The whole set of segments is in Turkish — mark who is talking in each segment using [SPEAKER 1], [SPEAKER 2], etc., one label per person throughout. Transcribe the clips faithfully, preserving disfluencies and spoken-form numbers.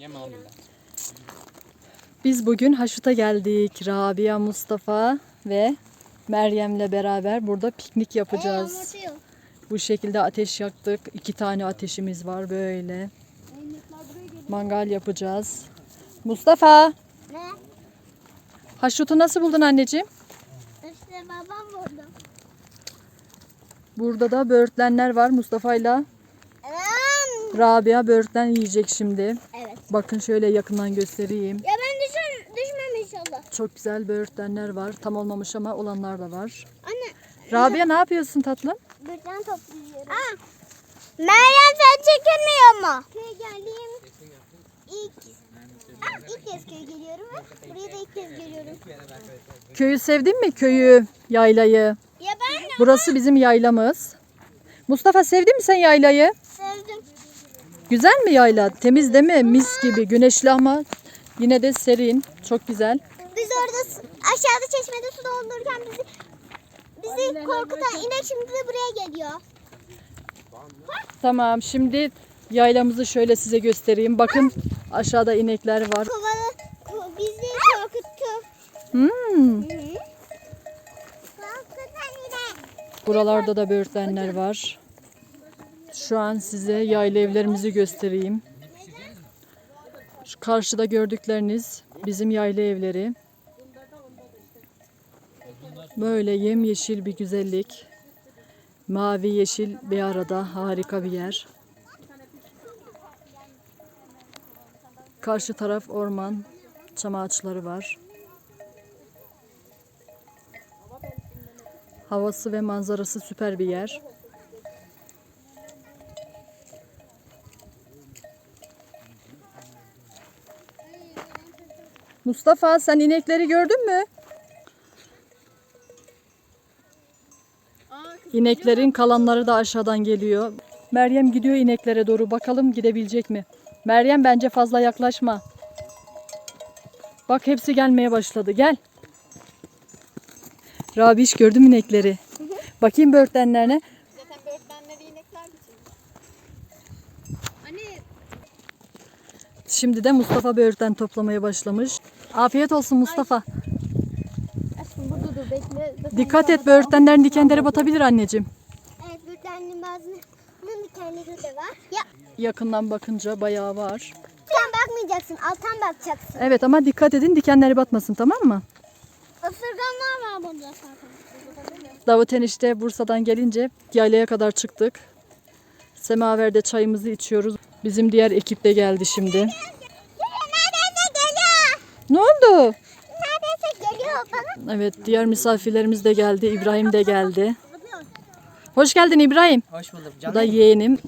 [SPEAKER 1] Biz bugün Haşut'a geldik. Rabia, Mustafa ve Meryem'le beraber burada piknik yapacağız. Bu şekilde ateş yaktık. İki tane ateşimiz var böyle. Mangal yapacağız. Mustafa.
[SPEAKER 2] Ne?
[SPEAKER 1] Haşut'u nasıl buldun anneciğim?
[SPEAKER 2] İşte babam vurdu.
[SPEAKER 1] Burada da böğürtlenler var. Mustafa'yla Rabia böğürtlen yiyecek şimdi.
[SPEAKER 2] Evet.
[SPEAKER 1] Bakın şöyle yakından göstereyim.
[SPEAKER 2] Ya ben düşer, düşmem inşallah.
[SPEAKER 1] Çok güzel böğürtlenler var. Tam olmamış ama olanlar da var.
[SPEAKER 2] Anne.
[SPEAKER 1] Rabia ne yapıyorsun tatlım?
[SPEAKER 2] Birden topluyorum. Aa. Meryem sen çekilmiyor mu? Köye geldiğim ilk, Aa, ilk kez köye geliyorum ve buraya da ilk kez geliyorum.
[SPEAKER 1] Köyü sevdin mi? Köyü, yaylayı.
[SPEAKER 2] Ya ben de
[SPEAKER 1] Burası bizim yaylamız. Mustafa sevdin mi sen yaylayı?
[SPEAKER 2] sevdim.
[SPEAKER 1] Güzel mi yayla? Temiz değil mi? Mis gibi. Güneşli ama yine de serin. Çok güzel.
[SPEAKER 2] Biz orada s- aşağıda çeşmede su doldururken bizi bizi korkutan inek şimdi de buraya geliyor.
[SPEAKER 1] Tamam, şimdi yaylamızı şöyle size göstereyim. Bakın aşağıda inekler var.
[SPEAKER 2] Kovalı, ko- bizi korkuttu.
[SPEAKER 1] Hmm.
[SPEAKER 2] Korkutan inek.
[SPEAKER 1] Buralarda da böğürtlenler var. Şu an size yayla evlerimizi göstereyim. Şu karşıda gördükleriniz bizim yayla evleri. Böyle yemyeşil bir güzellik. Mavi yeşil bir arada harika bir yer. Karşı taraf orman, çam ağaçları var. Havası ve manzarası süper bir yer. Mustafa sen inekleri gördün mü? İneklerin kalanları da aşağıdan geliyor. Meryem gidiyor ineklere doğru. Bakalım gidebilecek mi? Meryem bence fazla yaklaşma. Bak hepsi gelmeye başladı. Gel. Rabiş gördüm inekleri. Bakayım böğürtlenlerine.
[SPEAKER 3] Zaten böğürtlenleri inekler biçilmiş. Anne.
[SPEAKER 1] Şimdi de Mustafa böğürtlen toplamaya başlamış. Afiyet olsun Mustafa.
[SPEAKER 2] Aşkım burada dur bekle.
[SPEAKER 1] Dikkat et böğürtlenlerin dikenleri batabilir anneciğim.
[SPEAKER 2] Evet bürtenliğin bazının dikenleri de var. Ya
[SPEAKER 1] Yakından bakınca bayağı var.
[SPEAKER 2] sen bakmayacaksın alttan bakacaksın.
[SPEAKER 1] Evet ama dikkat edin dikenleri batmasın, tamam mı?
[SPEAKER 2] Isırganlar var burada zaten.
[SPEAKER 1] Davut enişte Bursa'dan gelince yaylaya kadar çıktık. Semaverde çayımızı içiyoruz. Bizim diğer ekip de geldi şimdi.
[SPEAKER 2] Neredeyse geliyor.
[SPEAKER 1] Ne oldu?
[SPEAKER 2] Neredeyse geliyor bana.
[SPEAKER 1] Evet, diğer misafirlerimiz de geldi. İbrahim de geldi. Hoş geldin İbrahim.
[SPEAKER 4] Hoş bulduk
[SPEAKER 1] Bu
[SPEAKER 4] canım.
[SPEAKER 1] da yeğenim.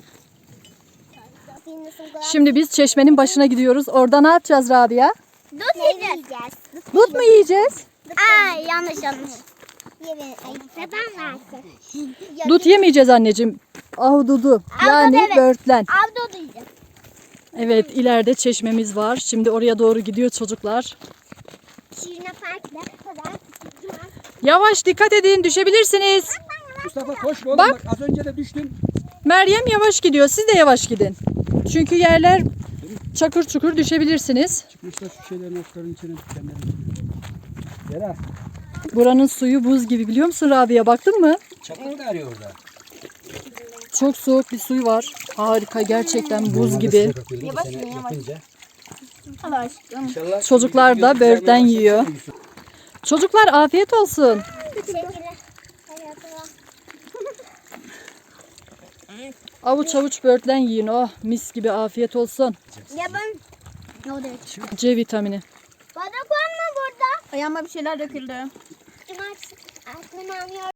[SPEAKER 1] Şimdi biz çeşmenin başına gidiyoruz. Orada ne yapacağız Rabia?
[SPEAKER 2] Dut yiyeceğiz.
[SPEAKER 1] Dut mu yiyeceğiz?
[SPEAKER 2] Aa yanlış yanlış. Ye ay babam versin.
[SPEAKER 1] Dut yemeyeceğiz anneciğim. Ahududu. Yani
[SPEAKER 2] evet.
[SPEAKER 1] böğürtlen.
[SPEAKER 2] Avda yiyeceğiz.
[SPEAKER 1] Evet, ileride çeşmemiz var. Şimdi oraya doğru gidiyor çocuklar.
[SPEAKER 2] Şirine farklı. Kadar.
[SPEAKER 1] Yavaş dikkat edin, düşebilirsiniz.
[SPEAKER 4] Mustafa koş oğlum
[SPEAKER 1] Bak.
[SPEAKER 4] bak. Az önce de düştün.
[SPEAKER 1] Meryem yavaş gidiyor. Siz de yavaş gidin. Çünkü yerler çakır çukur düşebilirsiniz.
[SPEAKER 4] Çıkmışlar şu şeylerin otların içine dikenlerin içine. Yara.
[SPEAKER 1] Buranın suyu buz gibi, biliyor musun Rabia? Baktın mı?
[SPEAKER 4] Çakıl da arıyor orada.
[SPEAKER 1] Çok soğuk bir suyu var. Harika, gerçekten buz gibi.
[SPEAKER 4] Yavaş yavaş.
[SPEAKER 2] Allah aşkına.
[SPEAKER 4] İnşallah
[SPEAKER 1] Çocuklar da böğürtlen yiyor. Çocuklar afiyet olsun.
[SPEAKER 2] Teşekkürler.
[SPEAKER 1] Avuç avuç böğürtlen yiyin. Oh mis gibi, afiyet olsun.
[SPEAKER 2] Ya ben ne oldu?
[SPEAKER 1] C vitamini.
[SPEAKER 2] Bana koyma burada.
[SPEAKER 3] Ayağıma bir şeyler döküldü.
[SPEAKER 2] Cumartesi. Aklım almıyor.